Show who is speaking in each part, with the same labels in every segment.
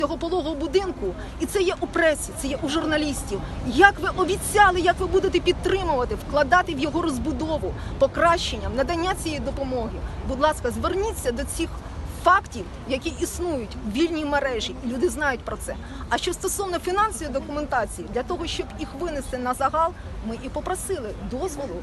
Speaker 1: цього пологового будинку, і це є у пресі, це є у журналістів. Як ви обіцяли, як ви будете підтримувати, вкладати в його розбудову, покращення, надання цієї допомоги. Будь ласка, зверніться до цих фактів, які існують в вільній мережі, і люди знають про це. А що стосовно фінансової документації, для того, щоб їх винести на загал, ми і попросили дозволу,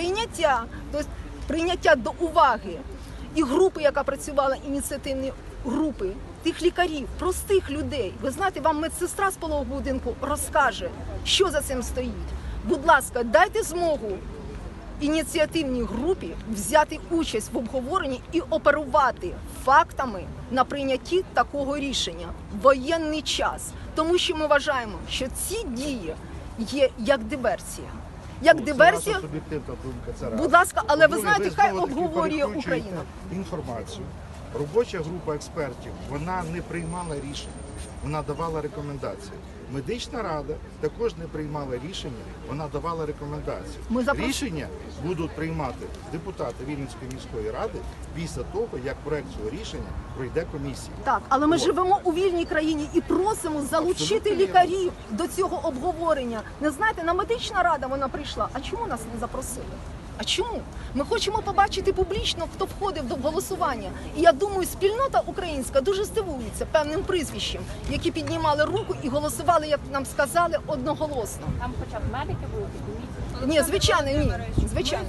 Speaker 1: прийняття до уваги і групи, яка працювала, ініціативні групи, тих лікарів, простих людей. Ви знаєте, вам медсестра з пологового будинку розкаже, що за цим стоїть. Будь ласка, дайте змогу ініціативній групі взяти участь в обговоренні і оперувати фактами на прийнятті такого рішення в воєнний час. Тому що ми вважаємо, що ці дії є як диверсія. Як диверсія, будь ласка, але ви знаєте, хай обговорює Україна.
Speaker 2: Інформацію. Робоча група експертів, вона не приймала рішення, вона давала рекомендації. Медична рада також не приймала рішення, вона давала рекомендації. Рішення будуть приймати депутати Вінницької міської ради після того, як проект цього рішення пройде комісію.
Speaker 1: Так, але ми живемо у вільній країні і просимо залучити лікарів до цього обговорення. Не знаєте, на медична рада вона прийшла, а чому нас не запросили? А чому? Ми хочемо побачити публічно, хто входив до голосування. І я думаю, спільнота українська дуже здивується певним прізвищем, які піднімали руку і голосували, як нам сказали, одноголосно.
Speaker 3: Там хоча б медики були,
Speaker 1: Ні, звичайно, ні. Звичайно.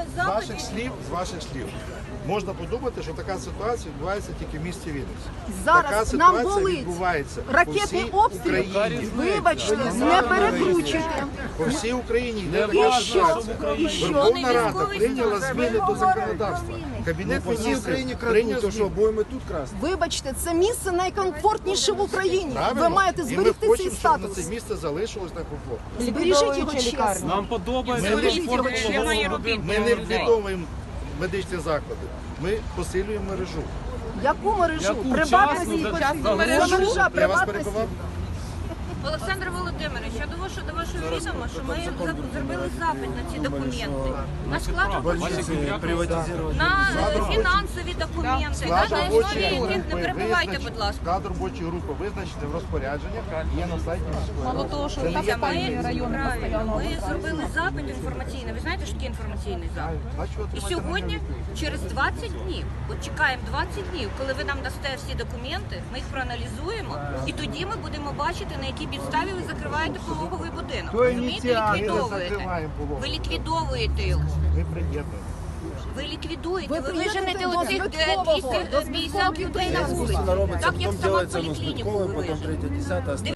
Speaker 2: З ваших слів, можна подумати, що така ситуація відбувається тільки в місті Вінниці.
Speaker 1: Зараз нам болить ракетний обстріл. Вибачте, не перекручуйте.
Speaker 2: По всій Україні.
Speaker 1: І що?
Speaker 2: Верховна Рада прийняла зміни до законодавства. Кабінет міністрів прийняв зміни.
Speaker 4: Будемо тут красти.
Speaker 1: Вибачте, це місце найкомфортніше в Україні.
Speaker 2: Правильно.
Speaker 1: Ви маєте
Speaker 2: І
Speaker 1: зберегти
Speaker 2: ми
Speaker 1: цей
Speaker 2: хочемо, щоб на
Speaker 1: статус.
Speaker 2: це місце залишилось на комфорт.
Speaker 1: Збережіть його чесно.
Speaker 4: Нам подобається.
Speaker 2: Ми не ліквідовуємо медичні заклади. Ми посилюємо мережу.
Speaker 1: Яку мережу?
Speaker 4: Яку?
Speaker 1: Приватну
Speaker 4: Частну
Speaker 1: мережу? Це мережа
Speaker 2: Я вас
Speaker 1: приватності.
Speaker 2: перебував?
Speaker 5: Олександр Володимирович, я до вашого відома, що ми зробили запит на ці документи. На склад на фінансові документи, на основі яких не перебувайте, будь ласка.
Speaker 2: Склад робочої групи визначити в розпорядженнях, є на сайті міської
Speaker 3: Мало
Speaker 2: ради.
Speaker 3: того, що
Speaker 2: Це не є
Speaker 3: там
Speaker 2: таємниця.
Speaker 3: район
Speaker 5: Правильно, ми зробили запит інформаційний. Ви знаєте, що таке інформаційний запит? І сьогодні, через 20 днів, от чекаємо 20 днів, коли ви нам дасте всі документи, ми їх проаналізуємо, і тоді ми будемо бачити, на якій підставі ви закриваєте пологовий будинок. Розумієте, ліквідовуєте. Ви ліквідовуєте його.
Speaker 2: Ми приєднуємо.
Speaker 5: Ви ліквідуєте,
Speaker 1: Ви
Speaker 5: ви виженете
Speaker 1: приєднуєте
Speaker 5: оцих
Speaker 1: до
Speaker 5: 250 людей на вулиці.
Speaker 4: Робиться,
Speaker 5: Так, як
Speaker 4: потім
Speaker 5: сама
Speaker 4: делается
Speaker 5: поліклініку
Speaker 4: Мостыковой,
Speaker 5: ви
Speaker 4: потом
Speaker 5: виженете.
Speaker 4: 3-10.